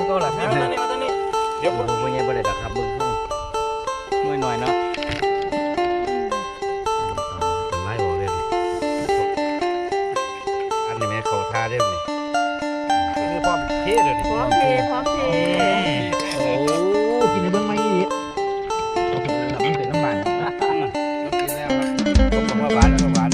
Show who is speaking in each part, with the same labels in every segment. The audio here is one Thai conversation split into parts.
Speaker 1: เก่าหลักมาตอนนี้เดี๋ยวผมไม่ได้ดักครับมึงช่วยหน่อยเนาะ
Speaker 2: เป็นไม้บอกเลยอันนี้แม่เขาท่าได้เลยคือพร้อมเทเลย
Speaker 3: พร้อมเท
Speaker 2: โอ้กินในเบื้องไม้นี่มันเป็นน้ำมันกินแล้วครับผมกับหวานแล้วก็หวาน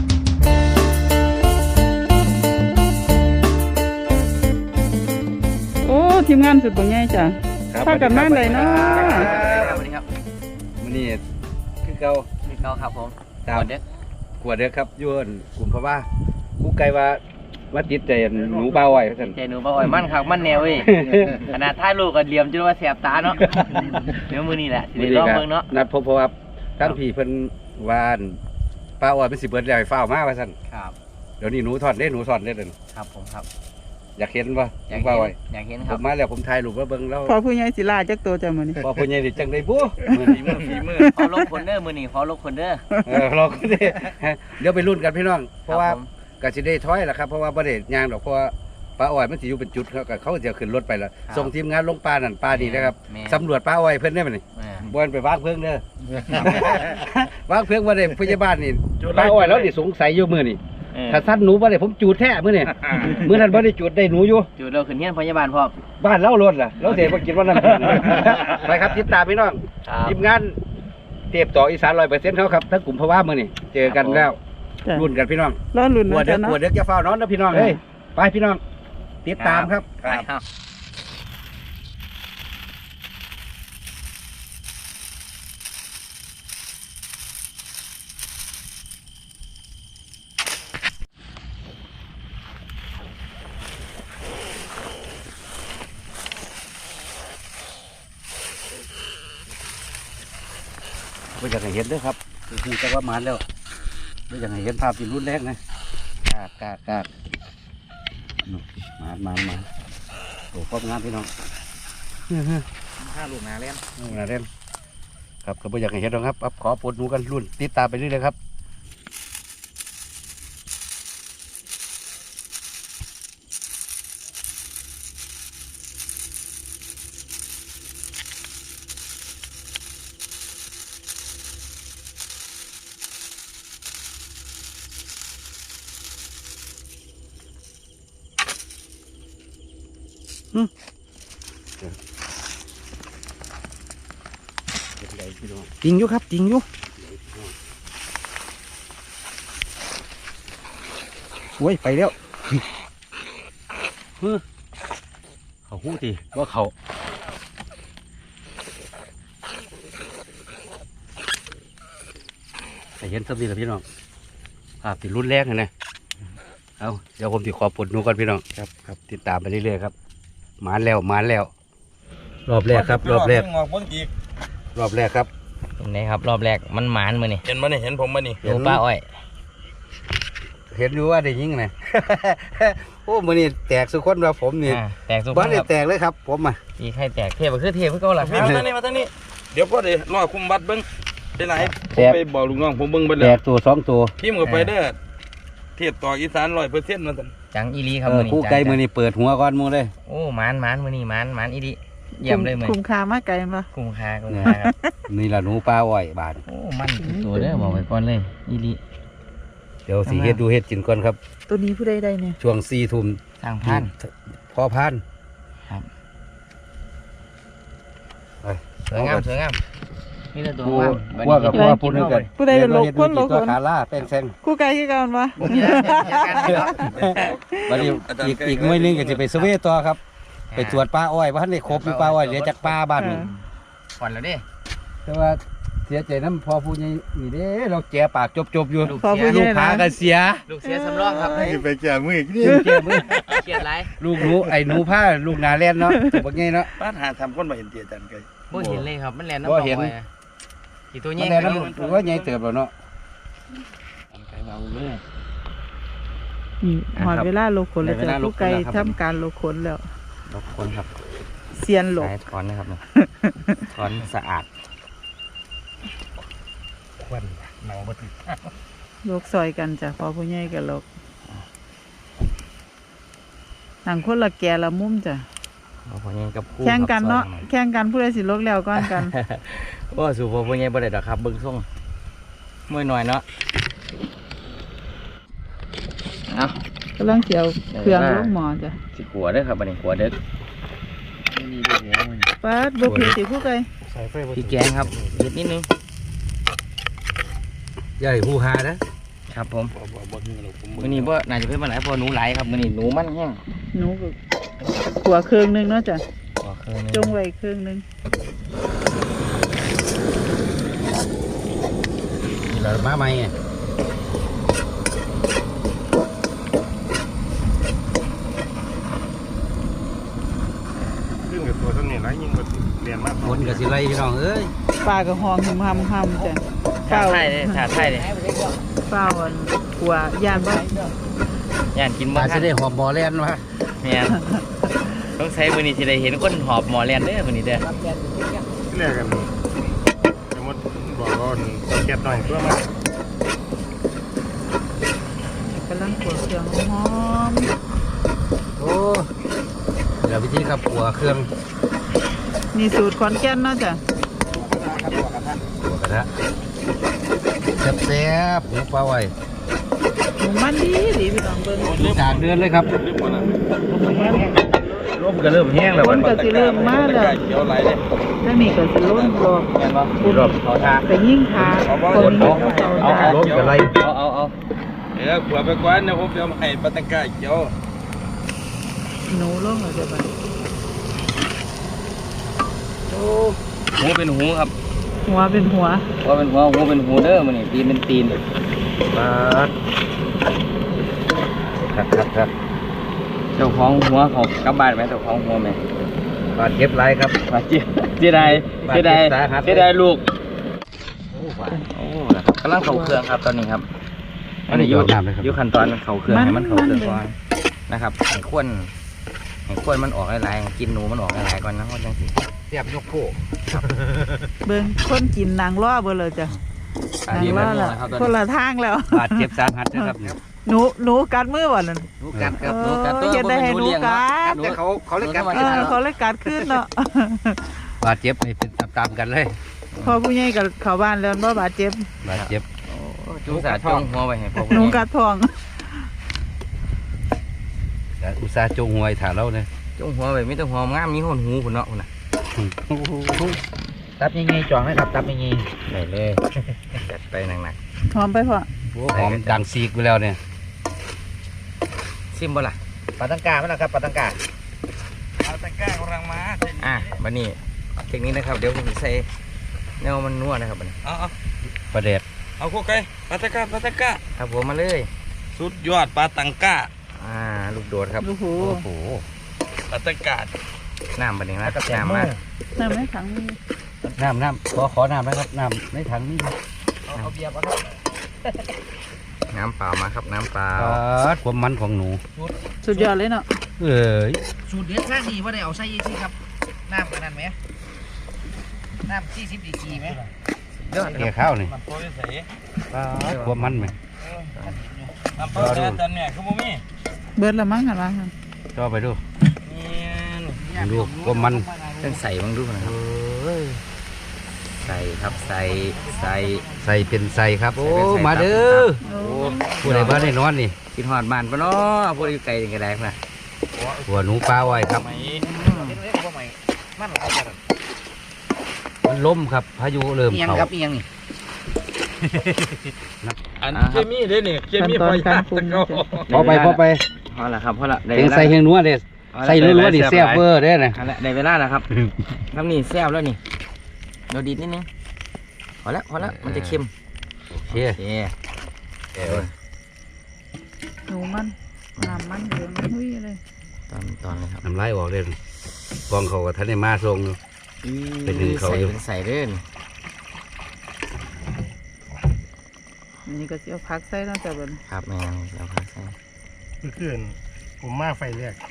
Speaker 3: โอ้ทีมงานสุดบ่ใหญ่จ้ะพากันมาเลยเนาะ
Speaker 1: สวัสดีครับ
Speaker 2: มื้อนี้คือเก่า
Speaker 1: ครับผม
Speaker 2: ตามกวดเด้อครับย้อนกลุ่มเพราะว่ากูไกลว่าติดใจหนูเบาไว้ท่าน
Speaker 1: ใจหนูเบาไว้มันคักมันแนวเว้ยขนาดท้ายลูกก็เหลี่ยมจนว่าแสบตาเนาะเดี๋ยวมื้อนี้แหละสิได้ลองเบิ่งเนาะ
Speaker 2: นัดพบเพราะว่าท่านพี่เพิ่นวานป้าอ้อยเป็นสิเบิดแล้วให้ฟ้าวมาว่าซั่น
Speaker 1: ครับ
Speaker 2: เดี๋ยวนี้หนูถอดเด้เด้อ
Speaker 1: ครับผมครับ
Speaker 2: อยากเห็นบ่อยากเบาไว้
Speaker 1: อยากเห็นค
Speaker 2: ผ
Speaker 1: รับ
Speaker 2: มมาแล้วผมถ่ายรูปมาเบิ่งแล้ว
Speaker 3: พอผู้ใหญ่สิลาจักตัวจ้ะมื้อนี้
Speaker 2: พอผู้ใหญ่ดิจังได้บ่
Speaker 1: ฝีมือขอลงคนเด้อมื้อนี้ขอลงคนเด้อ
Speaker 2: รอกันดิเดี๋ยวไปลุ้นกันพี่น้องเพราะว่าก็สิได้ถอยล่ะครับเพราะว่าบ่ได้ย่างดอกเพราะว่าป้าอ้อยมันสิอยู่เป็นจุดเขาจะขึ้นรถไปแล้วส่งทีมงานลงป่านั่นป่านี่นะครับสำรวจป้าอ้อยเพิ่นได้มั้ยนี่บ่นไปวางเพิ่งเด้อวางเพิ่งบ่ได้พยาบาลนี่ป้าอ้อยแล้วนี่สงสัยอยู่มื้อนี่ถ้าสั้นหนูบ่ได้ผมจูดแท้มื้อนี่มื้อนั้นบ่ได้จูดได้หนูอยู่
Speaker 1: จูดเราขึ้นเฮียนพยาบาลพร้อม
Speaker 2: บ้านเล่ารถล่ะเราเสียบ่กินว่านั้นไปครับติดตามพี่น้องทีมงานเทพต่ออีสาน 100%เขาครับทั้งกลุ่มภาวะมื้อนี่เจอกันแล้วรุ่นกันพี่น้อง
Speaker 3: รอรุ่น
Speaker 2: นะจ๊ะเนาะกวดเด็กจะเฝ้านอนนะพี่น้องเฮ้ยไปพี่น้องติดตามครับไม่อยากให้เห็นด้วยครับคือจะว่ามันแล้วไม่อยากให้เห็นภาพที่รุนแรงนะกาดมาโอ้ครบงานพี่น้อง
Speaker 1: 5 ลูกนาเล่น
Speaker 2: ครับก็ไม่อยากให้เห็นหรอกครับขอปวดหนูกันรุ่นติดตามไปเรื่อยๆครับจริงอยู่ครับจริงอยู่โอ้ยไปแล้วเขาหู้ตีว่าเขาแต่เห็นสักทีแล้วพี่น้องภาพที่รุนแรงนะเอาเดี๋ยวผมติขอปลดหนูก่อนพี่น้องครับติดตามไปเรื่อยๆครับมาแล้วรอบแรกครับรอบแรกครับ
Speaker 1: ตรงไหนครับรอบแรกมันหมานมือนี่
Speaker 4: เห็นมั้ยเห็นผมมั้ยนี่
Speaker 1: ดูป้าอ้อย
Speaker 2: เห็นอยู่ว่าได้ยิงไงโอ้มือนี่แตกสุดคนว่าผมนี่
Speaker 1: แตกสุด
Speaker 2: บ้านนี่แตกเลยครับผม
Speaker 1: อีใครแตกเทพก็คือเทพเพื่อเก่าหลัก
Speaker 4: มาทางนี้เดี๋ยวพ่อเดี๋ยวรอคุมบัตรเบิ้งเป็นไรผมไปบอกลุงน้องผมเบิ้งไปเลย
Speaker 2: แตกตัว2ตัว
Speaker 4: พิมพ์กับไปเด้อเทียบต่ออีสาน100%นะท่าน
Speaker 1: จังอีลีครับ
Speaker 2: คู่ไก่มือนี่เปิดหัวก้อนมูเลย
Speaker 1: โอ้หมานมือนี่หมานอีลีเยี่ยมเลยมือ
Speaker 3: คุ้มค่ามากไกลมั้ย
Speaker 1: คุ้มค่าครับ
Speaker 2: นี่ละหนูปลาอ้อยบาท
Speaker 1: โอ้มันตัวเด้อบอกไว้ก่อนเลยอีลี
Speaker 2: เดี๋ยวสีเฮ็ดกินก่อนครับ
Speaker 3: ตัวนี้ผู้ใดได้เนี่ย
Speaker 2: ช่วง4 ทุ่ม
Speaker 1: สร้างพัน
Speaker 2: พอพัน
Speaker 1: ครับสวยงามนี่ละตัว
Speaker 2: ว่ากับว่าพูดกัน
Speaker 3: ผู้ใดลกคน
Speaker 2: ตัวขาล่าเป็นแซง
Speaker 3: คู่ไก่ที่กันวะ
Speaker 2: วันนี้อีกหน่วยนึงก็จะไปสวีต่อครับไปตรวจปลาอ้อยว่าท่านได้ครบอยู่ปลาอ้อยเหลือจากปลาบ้าน
Speaker 1: ก่อนแล้วดิ
Speaker 2: แต่ว่าเสียใจน้ำพอผู้ใหญ่นี่เด้เราแก่ปากจบอยู่ลูกพากันเสีย
Speaker 1: ลูกเสียสำรองครับ
Speaker 4: ไปแก่มือนี่
Speaker 2: แก่มือ
Speaker 1: เกียดไร
Speaker 2: ลูกหนูไอ้หนูผ้าลูกนาแลนเนาะตัวใหญ่เนาะ
Speaker 4: ป้าหาทำคนมาเห็นเตี้ยจันไก่
Speaker 1: บ่เห็นเลยครับมันแลนน้ำตกไปกี่ตัวใหญ่
Speaker 2: แล้วตัวใหญ่เติบแล้วเนาะ
Speaker 1: ไก่เบาเลย
Speaker 3: หอดเวลาโลขนแล้วจะลูกไก่ทำการโลขนแล้ว
Speaker 1: โลขนครับ
Speaker 3: เซียนโล
Speaker 1: ถอนนะครับถอนสะอาด
Speaker 4: ควันหนังบัด
Speaker 3: โลกซอยกันจ้ะพอผู้ใหญ่กับโลกหนังคนละแก่ละมุมจ้ะ
Speaker 1: เอาพ่อใหญ่กับคู่
Speaker 3: แข่งกันเนาะ
Speaker 1: ครับ
Speaker 3: แข่งกันผู้ใดสิลกแล้วก่อนกัน
Speaker 1: ว่าสู่พ่อใหญ่บ่ได้ดอกครับเบิ่งส่งมวยหน่อยเนาะเอา
Speaker 3: กำลังเสียวเครื่องลงหมอจ้ะ
Speaker 1: สิขัวเด้อครับบัดนี้ขัวเด้อ
Speaker 3: ปาดบ่ผิดสิผู้ใด
Speaker 1: พี่แกงครับเผ็ดนิดนึง
Speaker 2: ใหญ่ฮูฮานะครับ
Speaker 1: ผมมื้อนี้บ่น่าจะเพิ่นมาหลายเพราะหนูหลายครับมื้อนี้หนูมันแห้ง
Speaker 3: หนูก็ขัวเครื่องนึงเนาะจ้ะ
Speaker 1: ขอเครื่องนึง
Speaker 3: จงไว้เครื่องนึง
Speaker 2: นี่เรามาใหม่ไง
Speaker 5: ซึ่งกับตัวต้นนี่ไรยิ่งกว่าเรียนมาก
Speaker 2: คนกับสิไรพี่น้องเอ้ย
Speaker 3: ปลากระหองหึมหำจ้ะ
Speaker 1: ชาไทยเด้ชาไทยเด้
Speaker 3: เปล่าอันขัวยานบ่
Speaker 1: ย่านกิน
Speaker 2: มา
Speaker 1: บ่
Speaker 2: จะ
Speaker 1: ทัน
Speaker 2: ได้หอมบอแลนวะ
Speaker 1: แม่นต้องใช้มื้อนี้สิได้เห็นคนหอบหมอแล่นเด้อมื้อนี้เด้อ
Speaker 5: ที่แรกกันสมมติบอกว่าเก็บหน่อยเพื่อมา
Speaker 3: กำลังขัวเครื่องหอม
Speaker 2: โอ้เดี๋ยววิธีครับหัวเครื่อง
Speaker 3: ๆนี่สูตรขอนแก่นเนาะจ้ะ
Speaker 2: หัวกระทะแซ่บๆหมูปลาไว้
Speaker 3: หมูมันดีพี่น้องเบิ่ง
Speaker 2: จากเดือนเลยครับ
Speaker 1: ลมก็เริ่มแห้งแล้ว
Speaker 3: คนก็สิเริ่มมาแล้ว
Speaker 1: เขียวไหลเด้
Speaker 3: ถ้ามีก็สิล้นรอบ
Speaker 1: แม่นบ่มีรอบเขาทา
Speaker 3: ไปยิ่งทาคนนี้เขา
Speaker 1: เอา
Speaker 3: ทา
Speaker 2: ล้มกับไร
Speaker 1: เอา
Speaker 4: เดี๋ยวขัวไปก่อนเดี๋ยวผมจะมาให้ปาตังกาเขียว
Speaker 3: หนูลงแล้วจ้ะบัด
Speaker 1: หูเป็นหูครับ
Speaker 3: หัวเป็นหัว
Speaker 1: หัวเป็นหัวหูเป็นหูเด้อมื้อนี้ตีนเป็นตีน
Speaker 2: ปัดครับ
Speaker 1: เจ้าของหัวเขากลับบ้านไหมเจ้าของหัวแม่
Speaker 2: บาดเจ็บไรครับ
Speaker 1: ว่าเสียดายลูกโอ้นะครับกำลังเข้าเครื่องครับตอนนี้ครับ
Speaker 2: อันนี้โยนน้ำเลยครับ
Speaker 1: อยู่ขั้นตอนเข้าเครื่องให้มันเข้าเครื่องก่อนนะครับให้ควนมันออกหลายๆกินหนูมันออกหลายๆก่อนนะเพราะจังสิ
Speaker 2: เสียบยกโค
Speaker 3: เบิ่งคนกินนางล้อเบิ่งเลยจ้ะนางล้อแล้วคนละทางแล้ว
Speaker 2: บาดเจ็บสาหัสนะครับเนี่ย
Speaker 3: หนูกัดมือบ่นั่น
Speaker 2: หนูกัดครับ
Speaker 3: เออเฮ็ดได้ให้หนูกัด
Speaker 2: แต่เขาเลยกัด
Speaker 3: เขาเลยกัดขึ้นเนาะ
Speaker 2: บาดเจ็บให้เป็นตามๆกันเลย
Speaker 3: พอผู้ใหญ่กับเข้าบ้านแล้วบ่บาดเจ็บบ
Speaker 2: าดเจ็บ
Speaker 1: จุสาจงหัวไปให้พ่อ
Speaker 3: หนูกัดท้อง
Speaker 2: แต่อุตส่าห์จงหวยถ่าเราเนี่ย
Speaker 1: จงหัวไปมีแต่หัวงามมีหนหูพุ่นเนาะพุ่นน่ะ
Speaker 2: ตับยังไงจ่องให้ครับตับยังไง
Speaker 1: ได้เลยจัดไปหนัก
Speaker 3: หอมไปพอ
Speaker 2: หอมดังซีกไปแล้วเนี่ย
Speaker 1: ๆซิมบ่ล่ะ
Speaker 2: ปลาตังกาไหมนะครับปลาตังกา
Speaker 4: ปาตังกากำลังมา
Speaker 1: บัดนี้เทคนิคนะครับเดี๋ยวผมสิใส่แนวมันนัวนะครับบัดนี้
Speaker 4: เอา
Speaker 2: ปลาแดด
Speaker 4: เอาโคไก่ปาตังกา
Speaker 1: ครับผมมาเลย
Speaker 4: สุดยอดปาตังกา
Speaker 1: ลูกโดดครับ
Speaker 3: โอ้โห
Speaker 2: โอ้โห
Speaker 4: ปาตังกา
Speaker 1: น้ำบัดนี้นะน้ำมา
Speaker 3: น้ำในถังมี
Speaker 2: น้ำขอน้ำนะครับน้ำในถังนี่ครับ
Speaker 4: เอาเบียร์มาครับ
Speaker 1: น้ำเปล่ามาครับน้ำเปล่า
Speaker 2: ความมันของหนู
Speaker 3: สุดยอดเลยเนาะ
Speaker 2: เอ้ย
Speaker 6: สูตรเด็ดสร้างนี่ว่าได้เอาใส่สิครับน้ำอันนั้นไหมน้ำ40 ดีกรีไหม
Speaker 1: ยอด
Speaker 2: แก่ข้าวนี่
Speaker 4: มันโปรยใส่
Speaker 2: ความมันไหม
Speaker 4: น้ำเปล่าแดดตอนเนี่ยคือบ่มี
Speaker 3: เบิดละมั้งหั่นว่าหั่น
Speaker 2: จ่อไปดู
Speaker 4: นี่
Speaker 2: ดูความมัน
Speaker 1: ต้องใส่บ้างดูนะครับใส่ครับใส่
Speaker 2: ใส่เป็นใส่ครับ โอ้
Speaker 1: ใส่เป็นใส่
Speaker 2: มาเด้อ
Speaker 3: โอ้
Speaker 2: ผู้ใดบ้านได้นอนนี่
Speaker 1: กินหอดบ้านปะเนาะพวกอยู่ไกลกันได้นะ
Speaker 2: หัวหนูปลาไว้ครับ
Speaker 4: ไหม
Speaker 6: เห็นไหมว่าใหม่มันอะไรกัน
Speaker 2: มันล้มครับพายุเริ่ม
Speaker 6: เอียง
Speaker 2: เข้า
Speaker 6: ครับเอียงนี่
Speaker 4: อันเคมีเด้นี่เคมีไฟยาตะเกา
Speaker 2: พอไป
Speaker 1: พอละครับพอละได้
Speaker 2: เสียงใส่เฮงนัวเด้ใส่รัวๆนี่แซ่บเวอร์เด้นะ
Speaker 1: เอาละได้เวลาแล้วครับน้ำนี่แซ่บแล้วนี่เราดีดนิดนึงพอละมันจะเค็ม
Speaker 2: โอเค
Speaker 1: โอเค
Speaker 3: หนูมันน้ำมันเหลืองหุ้ยเลย
Speaker 1: ตอนเลยครับ
Speaker 2: น้ำลายออกเลยกองเขากับท่านได้มาทรงอยู่ เป็นหนึ่งเขาอยู่
Speaker 1: เป็นใส่เด้น
Speaker 3: อันนี้ก็สิเอาผักใส่เนาะจ้ะเบิ่น
Speaker 1: ครับแม่งแล้วพักใส่
Speaker 5: เมื่อคืนผมมาไฟแรก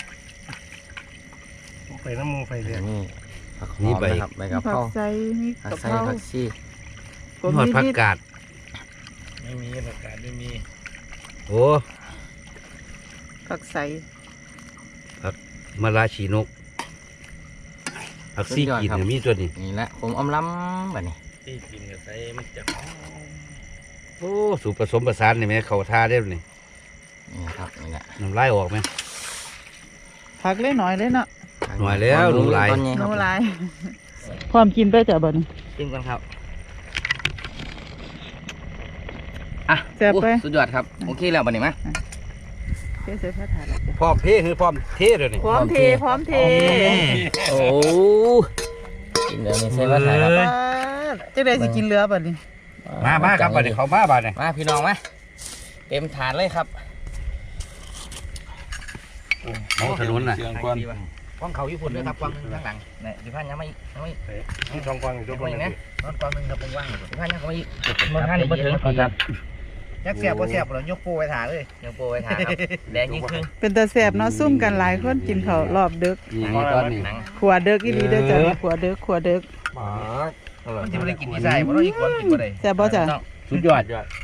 Speaker 5: ผมไปน้ำมูไฟแรก
Speaker 1: นี่ผักหอมนะครับใบกะเพ
Speaker 3: ผั
Speaker 1: ราก
Speaker 3: ใส่มี
Speaker 1: ผั
Speaker 3: กะ
Speaker 1: ก
Speaker 3: เพ
Speaker 1: ใส่
Speaker 3: รา
Speaker 1: ผักชี
Speaker 3: ก็
Speaker 2: หอดผัก
Speaker 3: นิด
Speaker 2: กาด
Speaker 5: ไม่มีประกาศไม่มี
Speaker 2: โอ้
Speaker 3: ๆผักใส่
Speaker 2: มะระฉีนกผักซี่กินเนี่ยมีตัวนี้
Speaker 1: นี่แหละผมอมล้ำแบบนี้
Speaker 4: ที่กินกับใส่มันจะ
Speaker 2: โอ้สูตรผสมผสานนี่แม่เขาท่าได้นี่
Speaker 1: นี่ครับนี่แหละ
Speaker 2: น้ำลายออกไหม
Speaker 3: ผักเล็กน้อยเลยเนาะ
Speaker 2: หน่อยแล้วหนูหลาย
Speaker 1: ตอนนี้ค
Speaker 3: ห
Speaker 1: รับ
Speaker 3: นูหลายความกินไปจ้ะบ่นี่
Speaker 1: จิ้มกันครับอ่ะ
Speaker 3: แซ่บไป
Speaker 1: โอ้สุดยอดครับโอเคแล้วบัดนี้มา
Speaker 3: เทใส่ผ้าถาดแล้วจ้ะ
Speaker 2: พร้อมเพคือพร้อมเทเดี๋ยวนี้
Speaker 3: พร้อมเทพร้อมเท
Speaker 1: โอ้กินเดี๋ยวนี้ใส่ว่าถ่ายครับ
Speaker 3: ป้าดจังได๋สิกินเรือบัดนี้
Speaker 2: มาครับบัดนี้เขามาบัดนี้
Speaker 1: มาพี่น้องมาเต็มถาดเลยครับ
Speaker 2: มองถนนน่ะ
Speaker 4: เสียงควัน
Speaker 6: กองเขาญี่ปุ่นด้วยครับกองหนึงข้างหลัง
Speaker 1: นี่ดิพันยังไม่ยังไม่
Speaker 5: มีช่องกว้างอยู่ทุกคน
Speaker 1: ยัง
Speaker 5: นะ
Speaker 1: นะ
Speaker 6: นอนกองหนึงครับว่างๆอยู่
Speaker 1: ดิพันยังไม่มันท่านนี่มาถึงครับ
Speaker 6: ยักเสียบบ่เสียบเรายกปูไปถ่าเลย
Speaker 1: ยังโปรไว้ทานครับแดงยิ่งขึ้น
Speaker 3: เป็นตาแซ่บเนาะซุ่มกันหลายคนกินข้าวรอบดึก
Speaker 2: นี่ตอนนี้
Speaker 1: หนัง
Speaker 3: ขัวดึกอีหลีเด้อจ้ะขัวดึกขัวดึก
Speaker 6: มันจะไม่ได้กินที่ใส่เพราะเราอีกคนกินบ่ได้
Speaker 3: แซ่บบ่จ้ะ
Speaker 2: สุดยอด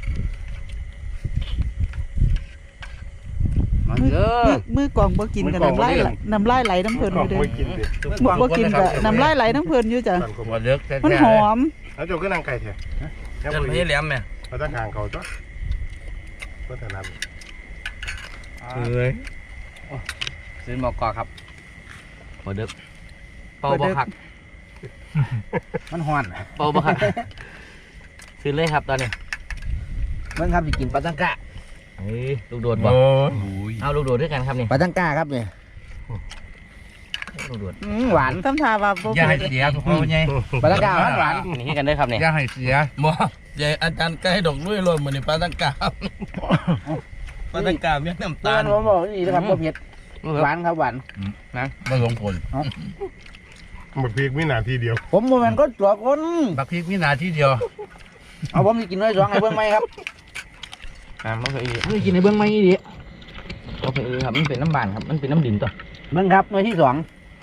Speaker 2: มาเด้อ
Speaker 3: มือกล่องบ่กินกันน้ำลายไหลน้ำเพิ่น
Speaker 5: กล่
Speaker 3: อ
Speaker 5: อง
Speaker 3: ยู่เด้อ
Speaker 5: ไม่กินดิ
Speaker 3: บ่กินก็น้ำลายไหลน้ำเพิ่นอยู่จ้ะ
Speaker 5: สั่นก
Speaker 2: หัว
Speaker 5: ว่า
Speaker 2: เลือกแท้
Speaker 3: มันหอม
Speaker 5: แล้วเจ้าก็นั่งไก่แท้
Speaker 4: จะไม่ให้แหลมไหม
Speaker 5: เราตั้งห่างเขาจ้ะก็ถนัด
Speaker 2: เอ้ย
Speaker 1: ซื้อหมอกกอครับหัวเด็กเป่าบ่หัก
Speaker 6: มันฮ้อน
Speaker 1: เป่าบ่หักซื้อเลยครับตอนนี้
Speaker 6: เบิ่งครับสิกินปลาตังกะ
Speaker 1: เฮ้ยลูกโดดบ่เอาลูกโดดด้วยกันครับนี่
Speaker 6: ปลาตังกะครับเนี่ย
Speaker 1: ลูกโดด
Speaker 6: หวาน
Speaker 3: ทำท่าว่าบ่
Speaker 2: อย่าให้
Speaker 3: เผ็ด
Speaker 2: เสียทุกคนไง
Speaker 6: ปลาตังกะหวาน
Speaker 1: นี่ให้กันด้วยครับนี่
Speaker 2: อย่าให้เสีย
Speaker 4: บ่ใหญ่อาจารย์ใกล้ดอกลุยลนเหมือนในปลาตังกาปลาตังกาเมียน้ำ
Speaker 6: ตา
Speaker 4: ตา
Speaker 6: ล
Speaker 4: ล
Speaker 6: ผมบอกนี่นะครับบ่เผ็ดหวานครับหวาน
Speaker 2: ไม่หลงผล
Speaker 5: หมดพีกวินาทีเดียว
Speaker 6: ผมบ่แม่นคนตัวคน
Speaker 2: บักพริกมีนาทีเดียว
Speaker 6: เอาผมสิกินน้อยสองให้เบิ่งไหมครับ
Speaker 1: บ่เคยอี
Speaker 6: นี่กินให้เบิ่งไหมอีดิ
Speaker 1: บ่เคยอีครับมันเป็นน้ำบานครับมันเป็นน้ำดินตัว
Speaker 6: เบิ่งครับน้อยที่สอง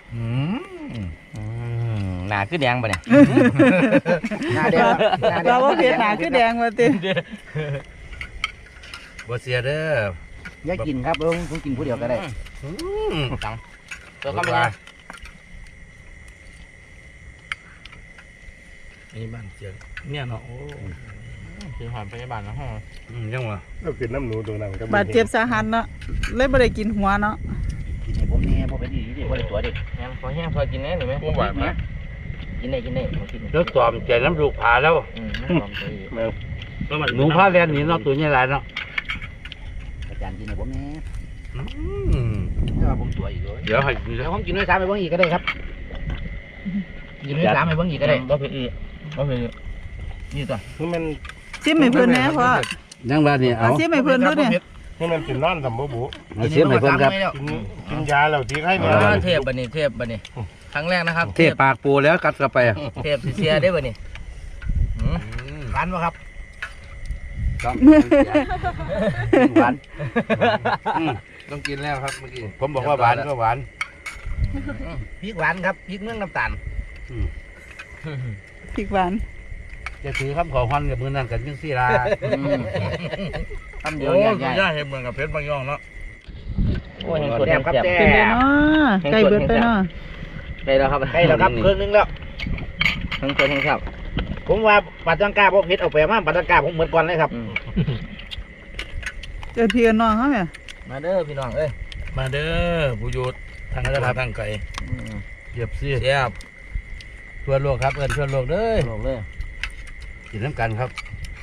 Speaker 1: หนาคือแดงป่ะเนี่ย
Speaker 6: หน้าแดงครับหน้าแดง
Speaker 3: เราบ่เผ็ดหนาคือแดงว่าติ
Speaker 2: บ่เสียเด้อ
Speaker 6: อย่ากินครับผมกินผู้เดียวก็ได้
Speaker 1: ตังตัวก็ไม่ได้
Speaker 4: นี่บ้านเสียงเนี่ยเนาะโอ้
Speaker 1: คือหอมพยาบาลนะฮะ
Speaker 2: ยังวะ
Speaker 5: เรากินน้ำหนูตรงนั้นก็
Speaker 3: บาดเจ็บสาหัสเนาะเลยบ่ได้กินหัวเนาะ
Speaker 6: กินให้ผมเนี่ยผมเป็นดีดิบ่ได้ตัวเด็ก
Speaker 1: งั้นพอแห้งพอกินได้หรือไหม
Speaker 4: พวกหวานนะ
Speaker 1: กินได้กินมากิน
Speaker 2: รถตอมใจน้ำลูกผาแล้ว
Speaker 1: ไม่หอมตัวอีก
Speaker 2: หนูพาแลนหนีเนาะตัวใหญ่หลายเนาะ
Speaker 6: อาจารย์กินให้ผมเนี่ย
Speaker 2: อืม
Speaker 6: ถ้าว่าผมตัวอีกเลย
Speaker 2: เดี๋ยวให้
Speaker 6: เดี๋ยวผมกินด้วยซ้ำให้เบิ่งอีกก็ได้ครับกินด้วยซ้ำให้เบิ่งอีกก็ได้
Speaker 1: บ่เคยอีบ่เคย
Speaker 6: นี่ตัว
Speaker 5: คือมัน
Speaker 3: ซิมให้เพิ่นแหน่พ่อ
Speaker 2: ยังบ้านนี่เอา
Speaker 3: ซิมให้เพิ่นดูเนี่ย
Speaker 5: คือมันกินนอนสำบูบุ
Speaker 2: เอาเสียมให้เพิ่นครับ
Speaker 5: กินยาแล้วที่ให้เนี่ย
Speaker 1: เทพบันนี้เทพบันนี้ครั้งแรกนะครับ
Speaker 2: เทปากปูแล้วกัดเข้าไป
Speaker 1: เทพเสียได้บันนี้
Speaker 6: หวานป่ะครับ
Speaker 2: ต้องหวานต้องกินแล้วครับเมื่อกี้ผมบอกว่าหวานก็หวาน
Speaker 6: พริกหวานครับพริกเมืองน้ำตาล
Speaker 3: พริกหวาน
Speaker 2: จะถือคำขอฮอนกับมือนั่นกันยังสี่ลา
Speaker 1: ทำเดียว
Speaker 4: โอ้
Speaker 1: ใหญ่
Speaker 4: ย่าเห็นเหมือนกับเพชรบางย่องเนาะ
Speaker 1: โอ้ยยังสดยังแซ่บ
Speaker 3: เป็นไดเนาะใกล้เบิดไปเนาะ
Speaker 1: ได้แล้วครับ
Speaker 6: ใกล้แล้วครับเครื่องนึงแล้ว
Speaker 1: ทั้งสดทั้งแซ่บ
Speaker 6: ผมว่าปลาตังกาผมเผ็ดเอาไปมาปลาตังกาผมเหมือนก่อนเลยครับ
Speaker 3: เจอพี่กับน้องเฮาแม่
Speaker 1: มาเด้อพี่น้องเอ้ย
Speaker 4: มาเด้อผู้ยุทธทางระดับทางไกล
Speaker 2: เกียบซี่
Speaker 4: แซ่บ
Speaker 2: ทั่วโลกครับเอิ้นทั่วโลกเด้อ
Speaker 1: โลกเลย
Speaker 2: กินน้ำกันครับ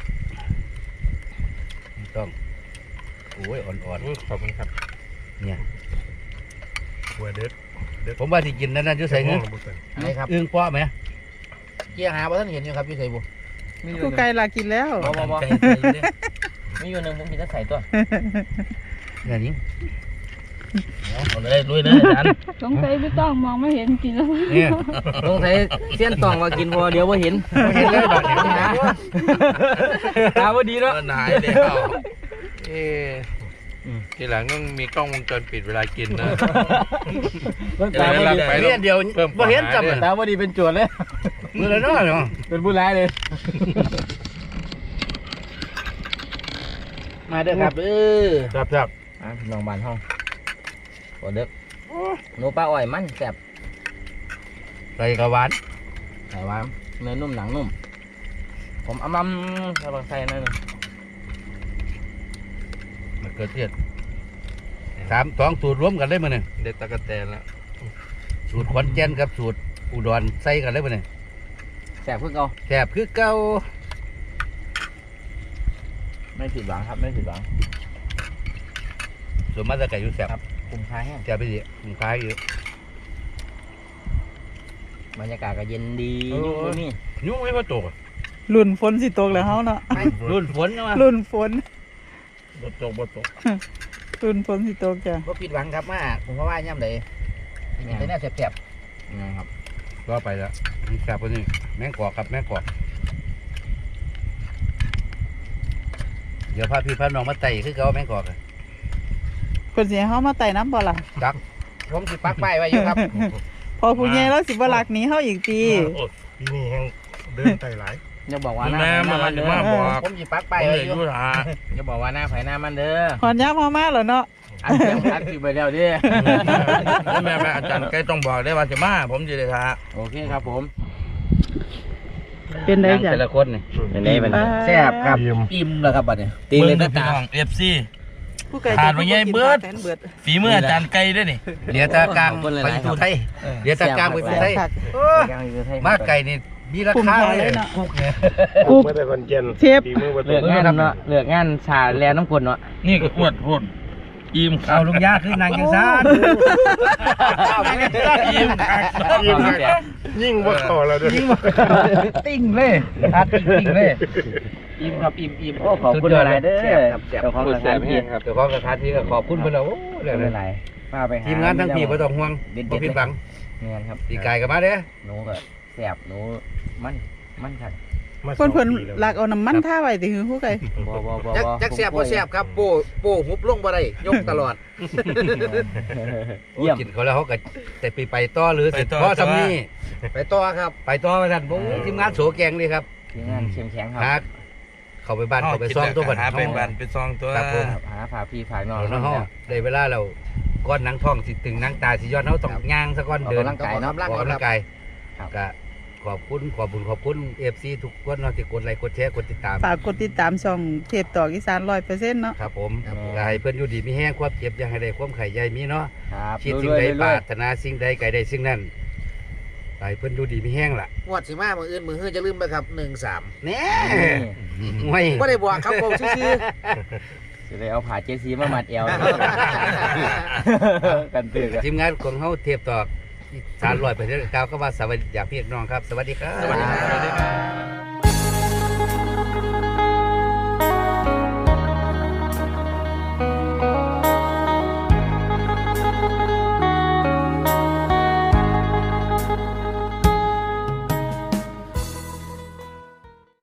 Speaker 2: ต้องโอ้ยอ่อน
Speaker 5: ขอบคุณครับ
Speaker 2: ๆเนี่ย
Speaker 5: หัวเด็ด
Speaker 2: ผมว่าที่กินนั่นน่ะจะใส่เงิน
Speaker 6: อะไรครับ
Speaker 2: อึ้งป้อไหม
Speaker 6: เกี่ยหาว่าท่านเห็นอยู่ครับพี่ใส่บุ
Speaker 3: กูไก่ลากินแล้ว
Speaker 1: บ่
Speaker 4: ไกล
Speaker 1: มีอยู่นึงผมกินจะใส่ตัว
Speaker 2: เนี่ยนี่
Speaker 4: เอาเลยลุยเลยอาจารย์
Speaker 7: สงสัยไม่ต้องมองไม่เห็นกินแล้ว
Speaker 2: เนี่ย
Speaker 1: สงสัยเสี้ยนตองว่ากินพอเดี๋ยวว่าเห็น
Speaker 2: ไม่เห็นเลยบาดเนี่ยนะ
Speaker 1: ตาว่าดีเนาะ
Speaker 4: หายแล้ว
Speaker 5: ทีหลังต้องมีกล้องวงจรปิดเวลากินนะ
Speaker 1: ตาว่าดี
Speaker 5: ไป
Speaker 2: เนี่ยเดียวบ่เห็นจำเลย
Speaker 1: ตาว่าดีเป็นโจรเลย
Speaker 2: มือละน้อยเนาะ
Speaker 1: เป็นผู้ร้ายเลย
Speaker 6: มาเด้อครับ
Speaker 5: ครับ
Speaker 1: พี่น้องบ้านห้องโอเด็กหนูปลาอ้อยมันแซ่บ
Speaker 2: ใส่กระหวาน
Speaker 1: ใส่ว่าเนื้อนุ่มหนังนุ่มผมเอามั่มกำลังใส่นั่น
Speaker 2: มันเกิดเทียด2สูตรรวมกันเลยมื้อนี้
Speaker 4: เด็ดตะกะแตนแล้ว
Speaker 2: สูตรขอนแก่นกับสูตรอุดรใส่กันเลยมื้อนี้
Speaker 1: แซ่บเพื่อเก่า
Speaker 2: แซ่บคือเก่า
Speaker 1: ไม่ผิดหวังครับไม่ผิดหวัง
Speaker 2: ส่วนมาแตะไก่อยู่แซ่บ
Speaker 1: คุ้มค่าแห้ง
Speaker 2: แซ่บไปดิคุ้มค่าอยู่
Speaker 1: บรรยากาศก็เย็นดียุ่งบ่มี
Speaker 2: ยุ่งไม่พอตก
Speaker 3: รุ่นฝนสิตกแล้วเฮาเนาะ
Speaker 2: รุ่นฝนนะ
Speaker 3: รุ่นฝน
Speaker 5: บ่ตกบ่ตก
Speaker 3: รุ่นฝนสิตกจ้ะ
Speaker 6: บ่ผิดหวังครับมาผมก็ว่าย่ำใดอย่างแต่แนวแซ่บ
Speaker 1: นะครับ
Speaker 2: ก็ไปแล้วแซ่บกว่านี้แมงกอกครับแมงกอกเดี๋ยวพาพี่พาน้องมาไต่คือเก่าแมงกอกอะ
Speaker 3: เพิ่นสิให้เฮามาไต่น้ำบ่ล่ะ
Speaker 2: จัก
Speaker 6: ๆผมสิปักป้ายไว้อยู่ครับ
Speaker 3: พอผู้ใหญ่แล้วสิบ่ลักหนีเฮาอีกติ
Speaker 5: ปีนี้แฮงเดินไต่หลาย
Speaker 1: อย่าบอกว่า
Speaker 4: คุณ
Speaker 1: หน้า
Speaker 4: แม่
Speaker 1: ไผ่หน้ามัน
Speaker 4: มาจะ
Speaker 1: เด้อ
Speaker 4: มาบอก
Speaker 6: ผมสิปัก
Speaker 4: ผ
Speaker 6: ป้าย
Speaker 4: ม
Speaker 6: ไว้
Speaker 4: เลย
Speaker 6: อยู่
Speaker 4: ยุทธา
Speaker 1: อย่าบอกว่าหน้าไผ่หน้ามันเด้อ
Speaker 3: ฮอดยามเฮามาแล้วเนาะ
Speaker 1: อันเสียงอัดคือไปแล้วเด้อ
Speaker 4: แม่อาจารย์ใกล้ต้องบอกได้ว่าจะมาผมจะได้ทา
Speaker 1: โอเคครับผม
Speaker 3: เป็นได้จ้ะ
Speaker 2: แต่ละคนนี่
Speaker 1: เป็นไงเป็นไง
Speaker 6: แซ่บครับ
Speaker 5: อิ่ม
Speaker 6: อิ่มแล้วครับบัดนี้
Speaker 1: ตีเลยนะ
Speaker 4: พี่
Speaker 1: ตา
Speaker 4: น้องเอฟซี
Speaker 3: ผู้ไก่
Speaker 4: ขาดไว้ใหญ่เบิด
Speaker 3: แสนเบิด
Speaker 4: ฝีมืออาจารย์ไกลด้วยนี่
Speaker 2: เหลียตากลางไปทูไทยเหลียตากลางไปทูไทยมาไก่นี่มีราคาเลย
Speaker 3: คุก
Speaker 5: กุ๊กมาแต่คนเจน
Speaker 3: เชฟ
Speaker 5: ฝีมือบ่ต
Speaker 1: เลือก
Speaker 5: ก
Speaker 1: งานเนาะเลือกงานชาแลน้ำกลเนาะ
Speaker 4: นี่ก็อวดพุ่นอิ่ม
Speaker 2: เอาลุงยาคือนางยังซ่า
Speaker 4: อิ่มคัก
Speaker 5: ยิ่งยิ่งบ่เข้าแล้วเด้อ
Speaker 2: ติ้งเลยอัดติ้งเลย
Speaker 6: อิ่มครับอิ่ม
Speaker 1: โอ้ขอบคุณหลายเด้อ
Speaker 6: แซ่บครับแซ่บ
Speaker 1: เจ้าของสถานที่
Speaker 2: เจ้าของสถานที่ก็ขอบคุณเพิ่นแล้วโอ้เรื่อง
Speaker 1: ไม่
Speaker 2: นั้
Speaker 1: เป็น นไรมาไปหา
Speaker 2: ทีมงานทั้งพี่บ่ต้องห่วงบ่ผิดหวัง
Speaker 1: งานครับ
Speaker 2: ตีไก่ก็มาเด้อ
Speaker 1: หนูก็แสบหนูมันครับ
Speaker 5: มาส
Speaker 3: เพิ่
Speaker 5: อน ง
Speaker 3: เพิ่น
Speaker 5: ปีแล้ว
Speaker 3: ลักเอาน้ำมันท่าไว้ติคือผู้ไก่
Speaker 1: บ่
Speaker 6: จักแซ่บบ่แซ่บครับโป้หุบลงบ่ได้ยกตลอด
Speaker 2: โอ้กินเขาแล้วเขาก็แต่ไปต่อหรือสิพอสำนี้
Speaker 6: ไปต่อครับ
Speaker 2: ไปต่อว่าซั่นบ่ทีมงานโสแกงนี่ครับ
Speaker 1: ทีมงานเข้มแข็งค
Speaker 2: หา
Speaker 1: รับ
Speaker 2: เข้าไปบ้านเข้าไปซ่อมตัวบัด
Speaker 4: หาไปบ้านไปซองตัว
Speaker 2: ครับผม
Speaker 1: หาฝากพี่ฝากน้อง
Speaker 2: เอาเนาะเฮาได้เวลาแล้วก้อนหนังท้องสิตึงหนังตาสิย้อนเฮาต้องย่างซะก่อนเดิน
Speaker 1: ร่างกายเนาะ
Speaker 2: ออกกำลังกาย
Speaker 1: ครับ
Speaker 2: ก็ขอบคุณ FC ทุกคนเนาะที่กดไลค์กดแชร์กดติดตาม
Speaker 3: ฝากกดติดตามช่องเทพตอกอีสาน 100% เนาะ
Speaker 2: ครับผมก็ให้เพิ่นอยู่ดีมีแห้งความเจ็บอย่าให้ได้ความไข่ใหญ่มีเนาะ
Speaker 1: ครับ
Speaker 2: คิดสิ่งใดปรารถนาสิ่งใดไกลใดสิ่งนั้นให้เพิ่นอยู่ดีมีแห้งล่ะ
Speaker 6: งวดสิมามื้ออื่นมื้อฮื้อจะลืมไปครับ13
Speaker 2: แหน่ไม่
Speaker 6: บ่ได้บอกครับผมซื่อ
Speaker 1: จะได้เอาผ่าเจซีมามัดเอวกันตื่นกัน
Speaker 2: ทีมงานของเฮาเทียบตอก300%กล่าวคำว่าสวัสดีจากพี่น้องครับ สวัสดีครับ
Speaker 6: ๆสวัสดีครับ